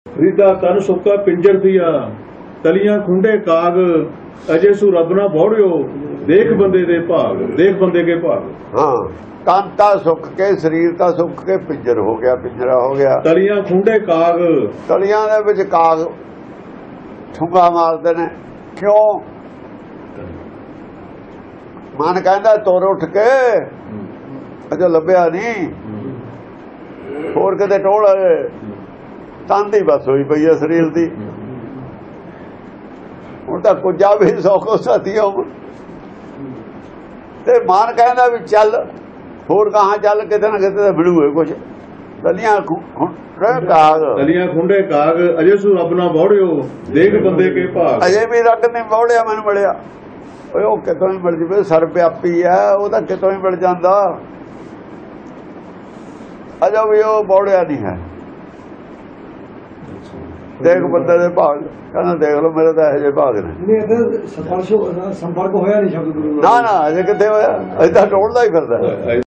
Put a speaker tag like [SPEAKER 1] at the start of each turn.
[SPEAKER 1] ਰੀਦਾ ਤਨ ਸੁੱਕਾ ਪਿੰਜਰ ਦੀਆ ਤਲੀਆਂ ਖੁੰਡੇ ਕਾਗ ਅਜੇ ਸੂ ਰੱਬ ਨਾ ਬੋੜਿਓ ਦੇਖ ਬੰਦੇ ਦੇ ਭਾਗ ਦੇਖ ਬੰਦੇ ਕੇ ਭਾਗ।
[SPEAKER 2] हाँ तन ता सुख के शरीर ता सुख के पिंजर हो गया, पिंजरा हो गया।
[SPEAKER 1] तलियां खुंडे काग
[SPEAKER 2] तलियां दे विच काग ठुंगा मारदे ने क्यों? मन कहंदा तुर उठ के अजो लभ्या नहीं होर किते टोल तन दी बस होई पई है शरीर दी। हुण तां कुझा भी सौ को साथियों ते मन कहंदा भी चल होर कहाँ चल किते ना किते तो मिलूए कुछ। तलियां काग
[SPEAKER 1] तलियां खुंडे काग अजे सू रब ना बौड़ियो देख बंदे के भाग।
[SPEAKER 2] अजे भी रब ने बौड़िया मैनूं मिलिया ਉਹ ਕਿਤੋਂ ਹੀ ਮਿਲ ਜਵੇ ਸਰ ਵਿਆਪੀ ਹੈ ਉਹ ਤਾਂ ਕਿਤੋਂ ਹੀ ਮਿਲ ਜਾਂਦਾ ਅਜਾ ਵੀ ਉਹ ਬੌੜਿਆ ਨਹੀਂ ਹੈ। ਦੇਖ ਬੰਦੇ ਦੇ ਭਾਗ ਕਹਿੰਦਾ ਦੇਖ ਲਓ ਮੇਰੇ ਤਾਂ ਇਹੋ ਜਿਹੇ ਭਾਗ ਨੇ।
[SPEAKER 3] ਨਹੀਂ ਸੰਪਰਕ ਹੋਇਆ ਨਹੀਂ ਸ਼ਬਦ ਗੁਰੂ
[SPEAKER 2] ਨਾ ਨਾ ਅਜੇ ਕਿੱਥੇ ਹੋਇਆ ਅਜੇ ਤਾਂ ਟੋਲਦਾ ਹੀ ਫਿਰਦਾ।